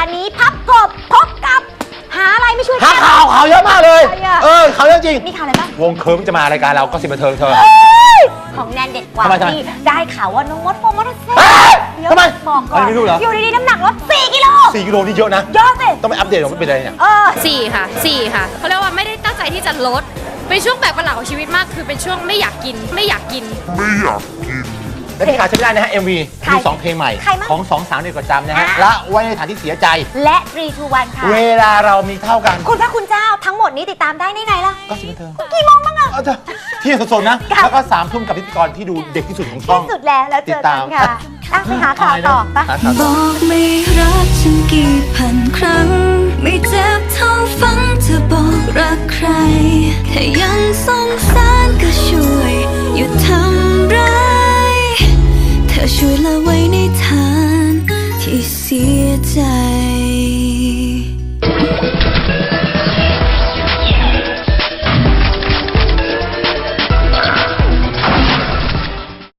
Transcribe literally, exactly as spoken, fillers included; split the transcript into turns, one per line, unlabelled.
ห์นี้พับกบพบกับหาอะไรไม่ช่วย
หาข่าวข่าวเยอะมากเลยเออข่าวเยอะจริง
มีข่าวอะไรบ้าง
วงเคิร์มจะมารายการเราก็สิบบันเทิงเธอ
ของแนนเด็ดกว่า
ทำไมทำไม
ที่ได้ข่าวว่าน้องมดโฟมมอเตอร์ไซค์
ทำไม
บอกก่อน
อันนี้ไม่รู้เหรอ
อยู่ดีๆน้ำหนักลดสี่กิโล
สี่กิโลนี่เยอะนะ
ยอดสิ
ต้องไปอัปเดตว่าเป็นอะไรเนี่ย
เออ
สี่ค่ะสี่ค่ะเขาเรียกว่าไม่ได้ตั้งใจที่จะลดเป็นช่วงแปลกประหลาดของชีวิตมากคือเป็นช่วงไม่อยากกินไม่อยากกิน
และที่ขาดไม่ได้นะฮะ เอ็ม วี
ใคร
มีสองเพลงใหม่
ใครมั่ง
ของสองสาวเด็กประจำนะฮะ
อ่ะ
ละไว้ในฐานที่เสียใจ
และสาม สอง หนึ่งค่ะ
เวลาเรามีเท่ากัน
คุณพระคุณเจ้าทั้งหมดนี้ติดตามได้ในไหนล่ะ
ก็สิบบันเทิง
กี่โมงบ้างอะ
เอาเถอะเที่ยงสดๆนะ
ค่ะ
แล้วก็สามทุ่มกับพิธีกรที่ดูเด็กที่สุดของช่อง
ที่สุดแล้วแล้วเจอกันค่ะอ่ะไปหาข่าวต่อปะ
หาข่าว
บ
ต่อ
อกไม่รักฉันกี่พันครั้งไม่เจ็บเท่าฟังเธอบอกรักใครแค่ยังสงสารก็ช่วยหยุดทำร้ายเธอช่วยละไว้ในฐานที่เสียใจ